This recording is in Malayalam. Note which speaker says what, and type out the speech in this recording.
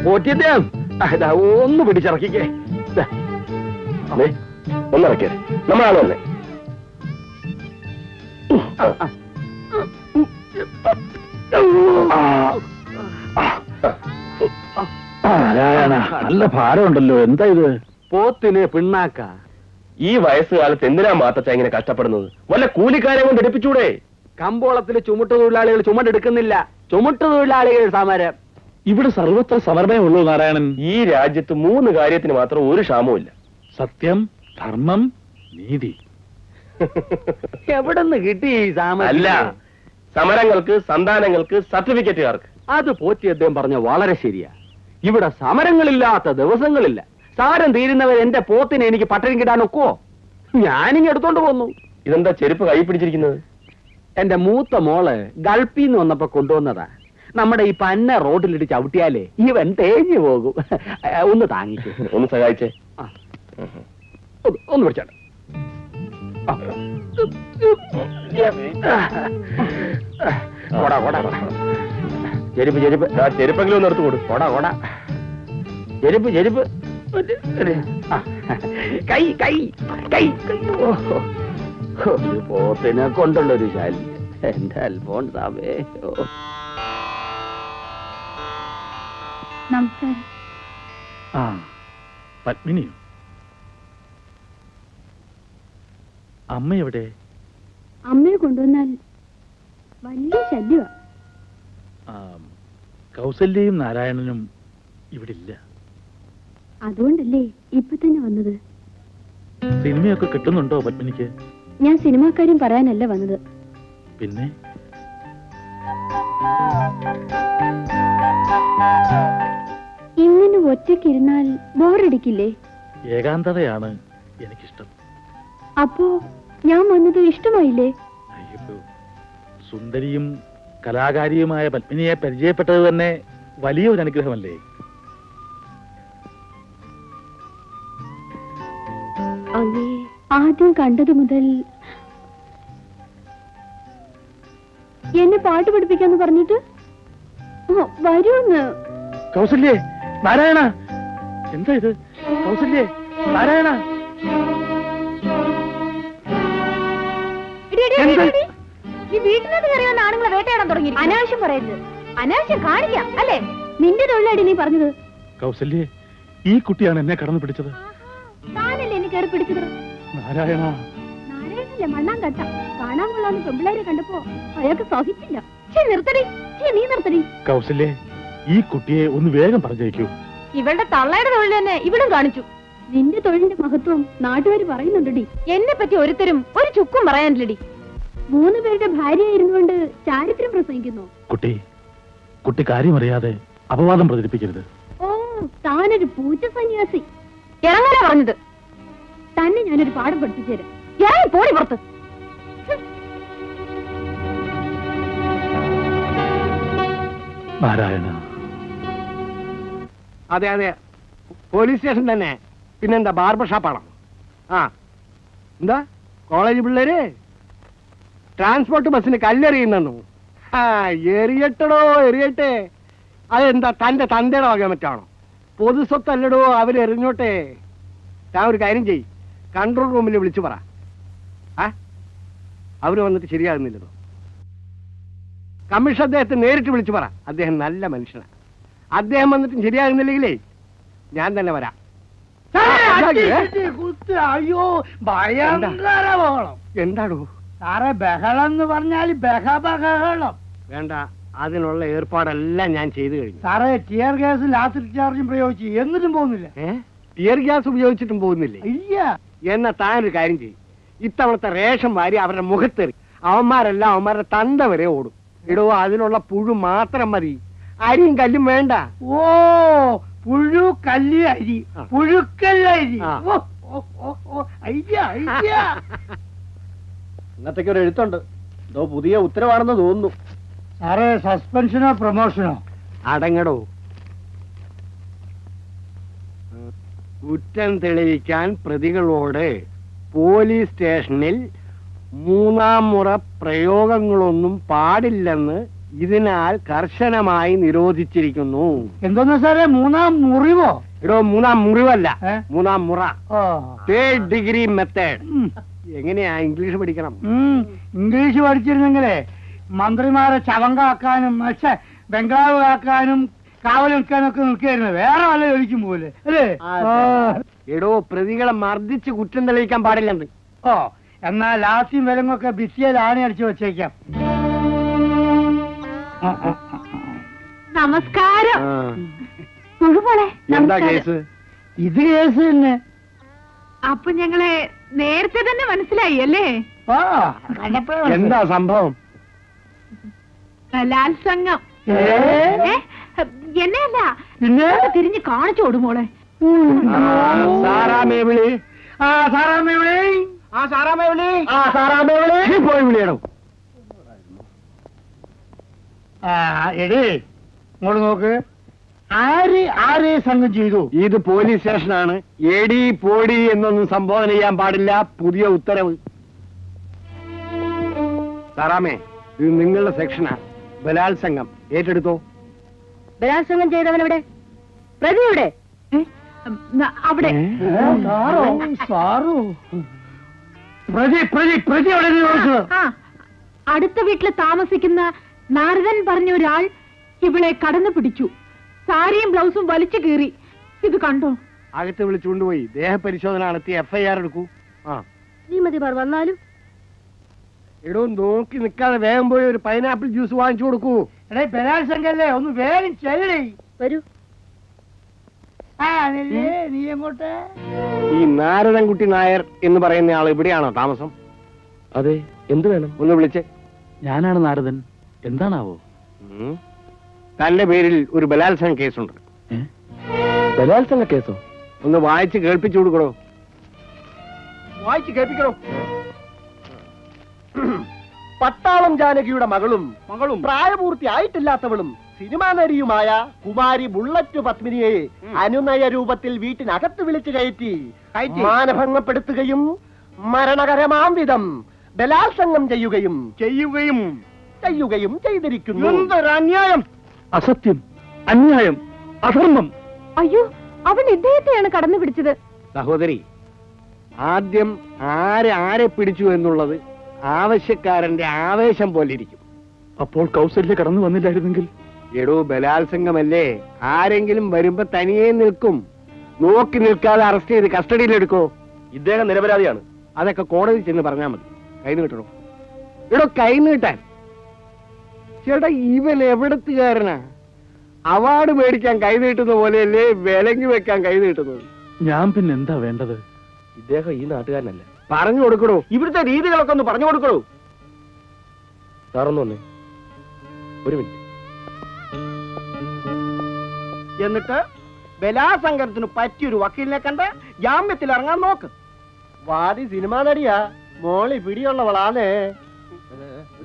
Speaker 1: പോറ്റിയതേ ഒന്ന് പിടിച്ചിറക്കിക്കേ.
Speaker 2: ഒന്നിറക്കിയ നമ്മളാണ് വന്നേ.
Speaker 1: നല്ല ഭാരമുണ്ടല്ലോ. എന്താ ഇത്? പോത്തിന് പിണ്ണാക്ക.
Speaker 2: ഈ വയസ്സുകാലത്ത് എന്തിനാ മാത്തച്ച ഇങ്ങനെ കഷ്ടപ്പെടുന്നത്? വല്ല കൂലിക്കാരെ കൊണ്ട് എടുപ്പിച്ചൂടെ?
Speaker 1: കമ്പോളത്തില് ചുമട്ട് തൊഴിലാളികൾ ചുമടെടുക്കുന്നില്ല. ചുമട്ട് തൊഴിലാളികൾ സമരം. ഇവിടെ സർവത്ര സമരമേ ഉള്ളൂ നാരായണൻ.
Speaker 2: ഈ രാജ്യത്ത് 3 കാര്യത്തിന് മാത്രം ഒരു ക്ഷാമവും.
Speaker 1: സത്യം, ധർമ്മം, നീതി. എവിടെന്ന് കിട്ടി ഈ
Speaker 2: അല്ല, സമരങ്ങൾക്ക്, സന്താനങ്ങൾക്ക്, സർട്ടിഫിക്കറ്റുകാർക്ക്.
Speaker 1: അത് പോറ്റി അദ്ദേഹം പറഞ്ഞ വളരെ ശരിയാ. ഇവിടെ സമരങ്ങളില്ലാത്ത ദിവസങ്ങളില്ല. സാരം തീരുന്നവർ എന്റെ പോത്തിനെ എനിക്ക് പട്ടണം കിട്ടാൻ ഒക്കുവോ? ഞാനിങ്ങ് എടുത്തോണ്ട് പോന്നു.
Speaker 2: ഇതെന്താ ചെരുപ്പ് കൈ പിടിച്ചിരിക്കുന്നത്?
Speaker 1: എന്റെ മൂത്ത മോള് ഗൾഫിന്ന് വന്നപ്പോ കൊണ്ടുവന്നതാ. നമ്മുടെ ഈ പന്ന റോഡിലിട്ട് ചവിട്ടിയാലേ ഇവൻ തേഞ്ഞു പോകും. ഒന്ന് താങ്ങിക്കേ.
Speaker 2: ഒന്ന് സഹായിച്ചേ.
Speaker 1: ഒന്ന് പിടിച്ചാട്ടെ. ചെരുപ്പ് ചെരുപ്പ്
Speaker 2: ചെരുപ്പെങ്കിലും ഒന്ന് എടുത്തു കൊടു.
Speaker 1: കൊട കൊട ചെരുപ്പ് ചെരുപ്പ്. കൈ കൈ കൈ കൈ. പോത്തിനെ കൊണ്ടുള്ളൊരു ശല്യം. എന്റെ അൽഫോൺസാമേ.
Speaker 3: നമസ്കാരം.
Speaker 1: പത്മിനിയോ? അമ്മ എവിടെ?
Speaker 3: അമ്മയെ കൊണ്ടുവന്നാൽ വലിയ ശല്യമാ.
Speaker 1: കൗസല്യയും നാരായണനും ഇവിടെ ഇല്ല.
Speaker 3: അതുകൊണ്ടല്ലേ ഇപ്പൊ തന്നെ വന്നത്.
Speaker 1: സിനിമയൊക്കെ കിട്ടുന്നുണ്ടോ പത്മിനിക്ക്?
Speaker 3: ഞാൻ സിനിമാക്കാര്യം പറയാനല്ല വന്നത്.
Speaker 1: പിന്നെ?
Speaker 3: ഇങ്ങനെ ഒറ്റയ്ക്കിരുന്നാൽ ബോറടിക്കില്ലേ?
Speaker 1: ഏകാന്തതയാണ് എനിക്കിഷ്ടം.
Speaker 3: അപ്പോ ഞാൻ വന്നത് ഇഷ്ടമായില്ലേ?
Speaker 1: അയ്യോ, സുന്ദരിയും കലാകാരിയുമായ പത്മിനിയെ പരിചയപ്പെട്ടത് തന്നെ വലിയൊരു അനുഗ്രഹമല്ലേ?
Speaker 3: അങ്ങേ ആദ്യം കണ്ടത് മുതൽ എന്നെ പാട്ട് പഠിപ്പിക്കാന്ന് പറഞ്ഞിട്ട് വരൂന്ന്.
Speaker 1: കൗസല്യേ, നാരായണ, എന്താ ഇത്? കൗസല്യേ, നാരായണ.
Speaker 3: നീ വീട്ടിനകത്ത് കയറി വന്ന ആണുങ്ങളെ വേട്ടയാടാൻ തുടങ്ങി. അനാവശ്യം പറയരുത്. അനാവശ്യം കാണിക്കാം അല്ലേ? നിന്റെ തൊഴിലാടി നീ പറഞ്ഞത്.
Speaker 1: കൗസല്യേ, ഈ കുട്ടിയാണ് എന്നെ കടന്നു പിടിച്ചത്.
Speaker 3: താനല്ലേ എന്നെ കയറി പിടിച്ചത്?
Speaker 1: നാരായണ.
Speaker 3: നാരായണല്ലേ മണ്ണാൻ കട്ട. കാണാൻ കൊള്ളാന്ന് പെമ്പിളാരെ കണ്ടപ്പോ അയാൾക്ക് സഹിച്ചില്ല. നിർത്തടി, നീ നിർത്തടി.
Speaker 1: കൗസല്യേ, ഈ കുട്ടിയെ ഒന്ന് വേഗം പറഞ്ഞേക്കൂ.
Speaker 3: ഇവളുടെ തള്ളയുടെ തൊഴിൽ തന്നെ ഇവളും കാണിച്ചു. നിന്റെ തൊഴിലിന്റെ മഹത്വം നാട്ടുകാർ പറയുന്നുണ്ടടി. എന്നെ പറ്റി ഒരുത്തരും ഒരു ചുക്കും പറയാനില്ലടി. 3 പേരുടെ ഭാര്യയായിരുന്നുകൊണ്ട് ചാരിത്രം പ്രസംഗിക്കുന്നു.
Speaker 1: കുട്ടി കാര്യമറിയാതെ അപവാദം പ്രചരിപ്പിക്കരുത്.
Speaker 3: ഓ, താനൊരു പൂച്ച സന്യാസി. ഇറങ്ങാനാ പറഞ്ഞത്. തന്നെ ഞാനൊരു പാഠം പഠിപ്പിച്ചു തരാം. ഇറങ്ങി പോടി പുറത്ത്.
Speaker 1: നാരായണ.
Speaker 4: അതെ അതെ, പോലീസ് സ്റ്റേഷൻ തന്നെ. പിന്നെന്താ, ബാർബർ ഷാപ്പാണോ? എന്താ കോളേജ് പിള്ളേര് ട്രാൻസ്പോർട്ട് ബസ്സിന് കല്ലെറിയുന്നു? എറിയട്ടടോ, എറിയട്ടെ. അതെന്താ തന്റെ തന്തയുടെ വക മറ്റാണോ? പൊതുസ്വത്തല്ലടോ, അവരെറിഞ്ഞോട്ടെ. ഞാൻ ഒരു കാര്യം ചെയ്യ്, കൺട്രോൾ റൂമിൽ വിളിച്ചു പറ. അവര് വന്നിട്ട് ശരിയാകുന്നില്ലതോ. കമ്മീഷൻ അദ്ദേഹത്തെ നേരിട്ട് വിളിച്ചു പറ. അദ്ദേഹം നല്ല മനുഷ്യനാണ്. അദ്ദേഹം വന്നിട്ടും ശരിയാകുന്നില്ലെങ്കിലേ ഞാൻ തന്നെ വരാം.
Speaker 5: അയ്യോ, ഭയങ്കര ബഹളം.
Speaker 4: എന്താണോ
Speaker 5: സാറേ? ബഹളം എന്ന് പറഞ്ഞാൽ ബഹളം.
Speaker 4: വേണ്ട, അതിനുള്ള ഏർപ്പാടെല്ലാം ഞാൻ ചെയ്തു കഴിഞ്ഞു.
Speaker 5: സാറേ, ടിയർ ഗ്യാസ് ലാസ്റ്റ് ചാർജും പ്രയോഗിച്ചു, എന്നിട്ടും പോകുന്നില്ല.
Speaker 4: ടിയർ ഗ്യാസ് ഉപയോഗിച്ചിട്ടും പോകുന്നില്ലേ?
Speaker 5: ഇല്ല.
Speaker 4: എന്നാ താനൊരു കാര്യം ചെയ്യും, ഇത്തവണത്തെ റേഷൻ വാരി അവരുടെ മുഖത്തെറി. അവന്മാരെല്ലാം അവന്മാരുടെ തന്ത വരെ ഓടും. ഇടോ, അതിനുള്ള പുഴു മാത്രം മതി, അരിയും കല്ലും വേണ്ട.
Speaker 5: ഓ, പുഴു കല്ല് അരി, പുഴുക്കല്ല അരി.
Speaker 4: ഇന്നത്തേക്ക് ഒരു എഴുത്തുണ്ട്, എന്തോ പുതിയ ഉത്തരവാണെന്ന് തോന്നുന്നു.
Speaker 5: സാറേ, സസ്പെൻഷനോ പ്രൊമോഷനോ?
Speaker 4: അടങ്ങടോ. കുറ്റം തെളിയിക്കാൻ പ്രതികളോട് പോലീസ് സ്റ്റേഷനിൽ 3ാം മുറ പ്രയോഗങ്ങളൊന്നും പാടില്ലെന്ന് ഇതിനാൽ കർശനമായി നിരോധിച്ചിരിക്കുന്നു.
Speaker 5: എന്തോന്ന് സാറേ, 3ാം മുറിവോ?
Speaker 4: എടോ, 3ാം മുറിവല്ല,
Speaker 5: ഏ?
Speaker 4: 3ാം മുറ.
Speaker 5: ഓ.
Speaker 4: 3rd degree method.
Speaker 5: ഉം.
Speaker 4: എങ്ങനെയാ ഇംഗ്ലീഷ് പഠിക്കണം?
Speaker 5: ഇംഗ്ലീഷ് പഠിച്ചിരുന്നെങ്കിലേ മന്ത്രിമാരെ ചവങ്കാക്കാനും ബംഗ്ലാവ് കാക്കാനും കാവൽ നിൽക്കാനൊക്കെ നിൽക്കായിരുന്നു. വേറെ വല്ല ജോലിക്കും പോലെ അല്ലേ?
Speaker 4: എടോ, പ്രതികളെ മർദ്ദിച്ച് കുറ്റം തെളിയിക്കാൻ പാടില്ലെന്ന്.
Speaker 5: ഓ, എന്നാൽ ലാസ്യം വിലങ്ങൊക്കെ ബിസിയിൽ ആണി അടിച്ചു വെച്ചേക്കാം.
Speaker 3: നമസ്കാരം.
Speaker 4: ആ.
Speaker 3: മുഴുവോളെ
Speaker 4: എന്താ കേസ്?
Speaker 5: ഇത് കേസ് തന്നെ.
Speaker 3: അപ്പൊ ഞങ്ങളെ നേരത്തെ തന്നെ മനസ്സിലായി അല്ലേ?
Speaker 5: ഓ, കണ്ടപ്പോഴേ
Speaker 4: എന്താ സംഭവം?
Speaker 3: ബലാത്സംഗം.
Speaker 5: ഏ?
Speaker 3: എന്നെയല്ല,
Speaker 5: പിന്നെ?
Speaker 3: തിരിഞ്ഞ് കാണിച്ചു കൊടുമോളെ.
Speaker 4: സാറാമേ വിളി.
Speaker 5: സാറാമ്മ വിളി.
Speaker 4: സാറാമേ വിളി. പോയി വിളിയണം.
Speaker 5: എടേ, ഇങ്ങോട്ട് നോക്ക്. ആരെ സംഘം ചെയ്തു?
Speaker 4: ഇത് പോലീസ് സ്റ്റേഷനാണ്. എടി പോടി എന്നൊന്നും സംബോധന ചെയ്യാൻ പാടില്ല. പുതിയ ഉത്തരവ്. സാറാമേ, ഇത് നിങ്ങളുടെ സെക്ഷനാ. ബലാത്സംഗം ഏറ്റെടുത്തോ.
Speaker 3: ബലാത്സംഗം ചെയ്തവനെവിടെ? പ്രതിയുടെ അവിടെ.
Speaker 5: സാറു പ്രതി അവിടെ ചോദിച്ചത്.
Speaker 3: അടുത്ത വീട്ടിൽ താമസിക്കുന്ന നാരദൻ പറഞ്ഞ ഒരാൾ ഇവളെ കടന്നു പിടിച്ചു. സാരിയും ബ്ലൗസും വലിച്ചു കീറി. ഇത് കണ്ടോ?
Speaker 4: അകത്ത് വിളിച്ചുകൊണ്ടുപോയി ദേഹപരിശോധന നടത്തി FIR എടുക്കൂ.
Speaker 3: ശ്രീമതിമാർ വന്നാലും
Speaker 4: എടോ, നോക്കി നിൽക്കാതെ വേഗം പോയി ഒരു പൈനാപ്പിൾ ജ്യൂസ് വാങ്ങിച്ചു കൊടുക്കൂ.
Speaker 5: എടേ, ബലാത്സംഗല്ലേ, ഒന്ന് വേഗം ചെല്ലടേ.
Speaker 3: വരൂ.
Speaker 5: നീ എങ്ങോട്ട്?
Speaker 4: ഈ നാരദൻകുട്ടി നായർ എന്ന് പറയുന്ന ആൾ ഇവിടെയാണോ താമസം?
Speaker 2: അതെ, എന്ത് വേണം?
Speaker 4: ഒന്ന് വിളിച്ചേ.
Speaker 1: ഞാനാണ് നാരദൻ. എന്താണാവോ?
Speaker 4: തന്റെ പേരിൽ ഒരു ബലാത്സംഗ കേസുണ്ട്.
Speaker 2: ബലാത്സംഗ കേസോ?
Speaker 4: ഒന്ന് വായിച്ച് കേൾപ്പിച്ചു കൊടുക്കണോ? വായിച്ച് കേൾപ്പിക്കണോ?
Speaker 6: പട്ടാളം ജാനകിയുടെ മകളും പ്രായപൂർത്തിയായിട്ടില്ലാത്തവളും സിനിമാ നടിയുമായ കുമാരി ബുള്ളറ്റ് പത്മിനിയെ അനുനയ രൂപത്തിൽ വീട്ടിനകത്ത് വിളിച്ചു കയറ്റി മാനഭംഗപ്പെടുത്തുകയും മരണകരമാം വിധം ബലാത്സംഗം ചെയ്യുകയും ചെയ്തിരിക്കുന്നു.
Speaker 4: അന്യായം!
Speaker 1: അസത്യം, അന്യായം, അധർമ്മം.
Speaker 3: അയ്യോ, അവൻ ഇദ്ദേഹത്തെയാണ് കടന്നു പിടിച്ചത്.
Speaker 4: സഹോദരി, ആദ്യം ആരെ പിടിച്ചു എന്നുള്ളത് ആവശ്യക്കാരന്റെ ആവേശം പോലെ ഇരിക്കും.
Speaker 1: അപ്പോൾ കൗസല്യ കടന്നു വന്നില്ലായിരുന്നെങ്കിൽ?
Speaker 4: എടോ, ബലാത്സംഗമല്ലേ, ആരെങ്കിലും വരുമ്പോ തനിയെ നിൽക്കും. നോക്കി നിൽക്കാതെ അറസ്റ്റ് ചെയ്ത് കസ്റ്റഡിയിലെടുക്കോ.
Speaker 2: ഇദ്ദേഹം നിരപരാധിയാണ്.
Speaker 4: അതൊക്കെ കോടതി ചെന്ന് പറഞ്ഞാൽ മതി. കൈ നീട്ടണോ? എടോ, കൈ നീട്ടാൻ. ചേട്ടാ, ഇവൻ എവിടത്തുകാരനാ? അവാർഡ് മേടിക്കാൻ കൈ നീട്ടുന്ന പോലെയല്ലേ വിലങ്ങി വെക്കാൻ കൈ നീട്ടുന്നത്?
Speaker 1: ഞാൻ പിന്നെ എന്താ വേണ്ടത്?
Speaker 2: ഇദ്ദേഹം ഈ നാട്ടുകാരനല്ല.
Speaker 4: പറഞ്ഞു കൊടുക്കണോ?
Speaker 1: ഇവിടുത്തെ രീതികളൊക്കെ ഒന്ന് പറഞ്ഞു കൊടുക്കണോ?
Speaker 2: സാറൊന്നു വന്നേ, ഒരു മിനിറ്റ്.
Speaker 6: എന്നിട്ട് ബലാത്സംഗത്തിന് പറ്റിയൊരു വക്കീലിനെ കണ്ട് ജാമ്യത്തിൽ ഇറങ്ങാൻ നോക്ക്. വാദി സിനിമാ നടിയാ, മോളി പിടിയുള്ളവളാണ്.